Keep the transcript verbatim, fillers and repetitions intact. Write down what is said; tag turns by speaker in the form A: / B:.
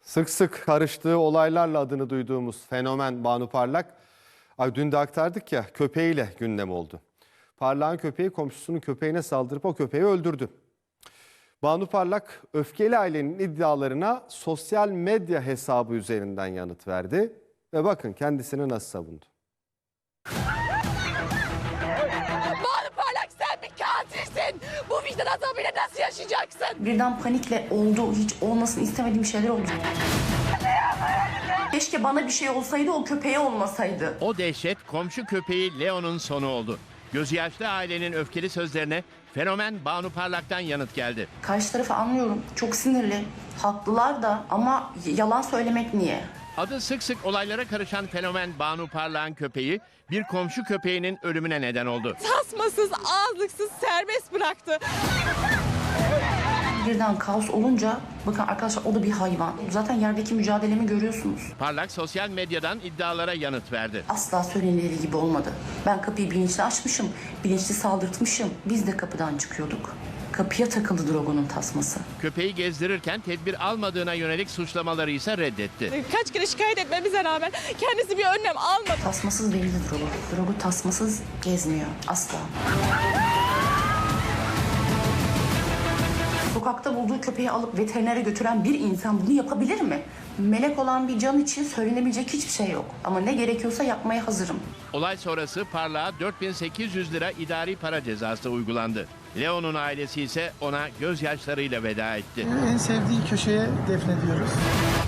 A: Sık sık karıştığı olaylarla adını duyduğumuz fenomen Banu Parlak, ay dün de aktardık ya, köpeğiyle gündem oldu. Parlak'ın köpeği komşusunun köpeğine saldırıp o köpeği öldürdü. Banu Parlak öfkeli ailenin iddialarına sosyal medya hesabı üzerinden yanıt verdi ve bakın kendisini nasıl savundu.
B: Banu Parlak, sen bir katilsin. Bu vicdan azabıyla nasıl yaşayacaksın?
C: Birden panikle oldu. Hiç olmasını istemediğim şeyler oldu. Keşke bana bir şey olsaydı, o köpeğe olmasaydı.
D: O dehşet komşu köpeği Leo'nun sonu oldu. Gözü yaşlı ailenin öfkeli sözlerine fenomen Banu Parlak'tan yanıt geldi.
C: Karşı tarafı anlıyorum. Çok sinirli. Haklılar da ama yalan söylemek niye?
D: Adı sık sık olaylara karışan fenomen Banu Parlak'ın köpeği bir komşu köpeğinin ölümüne neden oldu.
B: Tasmasız, ağızlıksız serbest bıraktı.
C: Birden kaos olunca, bakın arkadaşlar, o da bir hayvan. Zaten yerdeki mücadelemi görüyorsunuz.
D: Parlak sosyal medyadan iddialara yanıt verdi.
C: Asla söylenildiği gibi olmadı. Ben kapıyı bilinçli açmışım, bilinçli saldırtmışım. Biz de kapıdan çıkıyorduk. Kapıya takıldı Drogo'nun tasması.
D: Köpeği gezdirirken tedbir almadığına yönelik suçlamaları ise reddetti.
B: Kaç kere şikayet etmemize rağmen kendisi bir önlem almadı.
C: Tasmasız değildi Drogo. Drogo tasmasız gezmiyor. Asla. Sokakta bulduğu köpeği alıp veterinere götüren bir insan bunu yapabilir mi? Melek olan bir can için söylenebilecek hiçbir şey yok. Ama ne gerekiyorsa yapmaya hazırım.
D: Olay sonrası Parlak'a dört bin sekiz yüz lira idari para cezası uygulandı. Leo'nun ailesi ise ona gözyaşlarıyla veda etti.
E: En sevdiği köşeye defnediyoruz.